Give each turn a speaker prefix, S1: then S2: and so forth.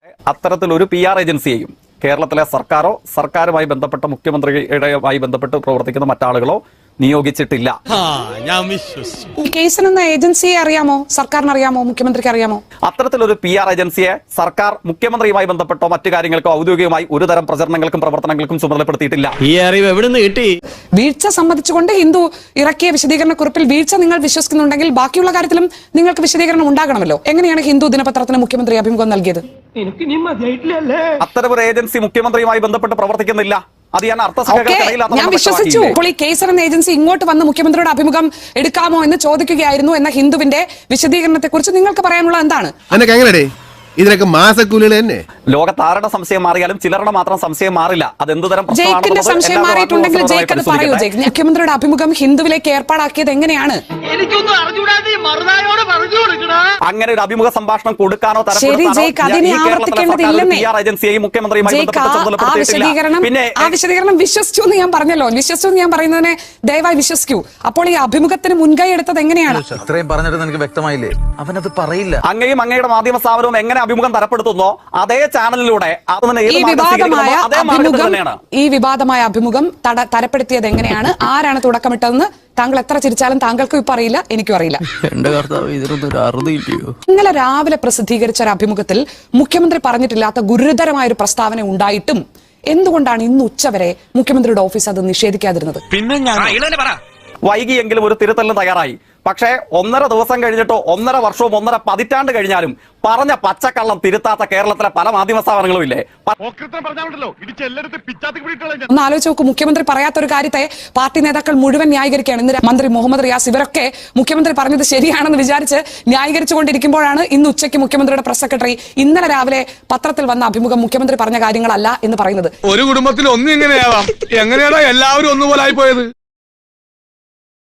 S1: അത്തരത്തിലൊരു PR ഏജൻസിയെയും കേരളത്തിലെ സർക്കാരോ സർക്കാരുമായി ബന്ധപ്പെട്ട മുഖ്യമന്ത്രിയുടെയുമായി ബന്ധപ്പെട്ട് പ്രവർത്തിക്കുന്ന മറ്റാളുകളോ നിയോഗിച്ചിട്ടില്ല.
S2: കേസൻ എന്ന ഏജൻസിയെ അറിയാമോ? സർക്കാരിന് അറിയാമോ? മുഖ്യമന്ത്രിക്ക് അറിയാമോ?
S1: അത്തരത്തിലൊരു PR ഏജൻസിയെ സർക്കാർ മുഖ്യമന്ത്രിയുമായി ബന്ധപ്പെട്ടോ മറ്റു കാര്യങ്ങൾക്കോ ഔദ്യോഗികമായി ഒരു തരം പ്രചരണങ്ങൾക്കും പ്രവർത്തനങ്ങൾക്കും ചുമതലപ്പെടുത്തിയിട്ടില്ല.
S3: ഈ അറിവ് എവിടെ നിന്ന് കിട്ടി?
S2: വീഴ്ച സംബന്ധിച്ചുകൊണ്ട് ഹിന്ദു ഇറക്കിയ വിശദീകരണ കുറിപ്പിൽ വീഴ്ച നിങ്ങൾ വിശ്വസിക്കുന്നുണ്ടെങ്കിൽ ബാക്കിയുള്ള കാര്യത്തിലും നിങ്ങൾക്ക് വിശദീകരണം ഉണ്ടാകണമല്ലോ. എങ്ങനെയാണ് ഹിന്ദു ദിനപത്രത്തിന് മുഖ്യമന്ത്രി അഭിമുഖം നൽകിയത്?
S1: അത്തരമൊരു ഏജൻസി മുഖ്യമന്ത്രിയുമായി ബന്ധപ്പെട്ട് പ്രവർത്തിക്കുന്നില്ല. അത്
S2: ഞാൻ വിശ്വസിച്ചു. അപ്പോൾ ഈ കേസർ എന്ന ഏജൻസി ഇങ്ങോട്ട് വന്ന് മുഖ്യമന്ത്രിയുടെ അഭിമുഖം എടുക്കാമോ എന്ന് ചോദിക്കുകയായിരുന്നു എന്ന ഹിന്ദുവിന്റെ വിശദീകരണത്തെ കുറിച്ച് നിങ്ങൾക്ക് പറയാനുള്ള എന്താണ്?
S4: ഇതിനൊക്കെ മാസക്കൂലികൾ തന്നെ.
S1: ലോകത്താരുടെ സംശയം മാറിയാലും ചിലരുടെ മാത്രം സംശയം മാറില്ല. അത് എന്തുതരം
S2: സംശയം മാറിയിട്ടുണ്ടെങ്കിൽ ജയിക്ക് അത് പറയൂ. മുഖ്യമന്ത്രിയുടെ അഭിമുഖം ഹിന്ദുവിലേക്ക് ഏർപ്പാടാക്കിയത് എങ്ങനെയാണ്?
S1: അങ്ങനെ ഒരു അഭിമുഖ സംഭാഷണം കൊടുക്കാനോ
S2: വിശദീകരണം വിശ്വസിച്ചു എന്ന് ഞാൻ പറഞ്ഞല്ലോ. വിശ്വസിച്ചു എന്ന് ഞാൻ പറയുന്നതിനെ ദയവായി വിശ്വസിക്കൂ. അപ്പോൾ ഈ അഭിമുഖത്തിന് മുൻകൈ എടുത്തത് എങ്ങനെയാണ്?
S5: ഇത്രയും പറഞ്ഞിട്ട് എനിക്ക് വ്യക്തമായില്ലേ? അവനത് പറയില്ല.
S1: അങ്ങയും അങ്ങയുടെ മാധ്യമ സ്ഥാപനവും എങ്ങനെ അഭിമുഖം തരപ്പെടുത്തുന്നോ അതേ ചാനലിലൂടെ
S2: ഈ വിവാദമായ അഭിമുഖം തരപ്പെടുത്തിയത് എങ്ങനെയാണ്? ആരാണ് തുടക്കമിട്ടതെന്ന് താങ്കൾ എത്ര ചിരിച്ചാലും താങ്കൾക്കും ഇപ്പൊ അറിയില്ല, എനിക്കും അറിയില്ല. ഇന്നലെ രാവിലെ പ്രസിദ്ധീകരിച്ച ഒരു അഭിമുഖത്തിൽ മുഖ്യമന്ത്രി പറഞ്ഞിട്ടില്ലാത്ത ഗുരുതരമായ ഒരു പ്രസ്താവന ഉണ്ടായിട്ടും എന്തുകൊണ്ടാണ് ഇന്ന് ഉച്ചവരെ മുഖ്യമന്ത്രിയുടെ ഓഫീസ് അത് നിഷേധിക്കാതിരുന്നത്?
S1: വൈകിയെങ്കിലും ഒരു തിരുത്തലിന് തയ്യാറായി. പക്ഷേ 1.5 ദിവസം കഴിഞ്ഞിട്ടോ 1.5 വർഷവും 1.5 പതിറ്റാണ്ട് കഴിഞ്ഞാലും പറഞ്ഞ പച്ചക്കള്ളം തിരുത്താത്ത കേരളത്തിലെ പല മാധ്യമ സ്ഥാപനങ്ങളും ഇല്ലേ?
S2: ഒന്ന് ആലോചിച്ച് നോക്കൂ. മുഖ്യമന്ത്രി പറയാത്തൊരു കാര്യത്തെ പാർട്ടി നേതാക്കൾ മുഴുവൻ ന്യായീകരിക്കുകയാണ്. ഇന്ന് മന്ത്രി മുഹമ്മദ് റിയാസ് ഇവരൊക്കെ മുഖ്യമന്ത്രി പറഞ്ഞത് ശരിയാണെന്ന് വിചാരിച്ച് ന്യായീകരിച്ചുകൊണ്ടിരിക്കുമ്പോഴാണ് ഇന്ന് ഉച്ചയ്ക്ക് മുഖ്യമന്ത്രിയുടെ പ്രസ് സെക്രട്ടറി ഇന്നലെ രാവിലെ പത്രത്തിൽ വന്ന അഭിമുഖം മുഖ്യമന്ത്രി പറഞ്ഞ കാര്യങ്ങളല്ല എന്ന് പറയുന്നത്.
S4: ഒരു കുടുംബത്തിൽ ഒന്നും ഇങ്ങനെയാവാം. എങ്ങനെയാണോ എല്ലാവരും ഒന്നുപോലെ ആയി പോയത്?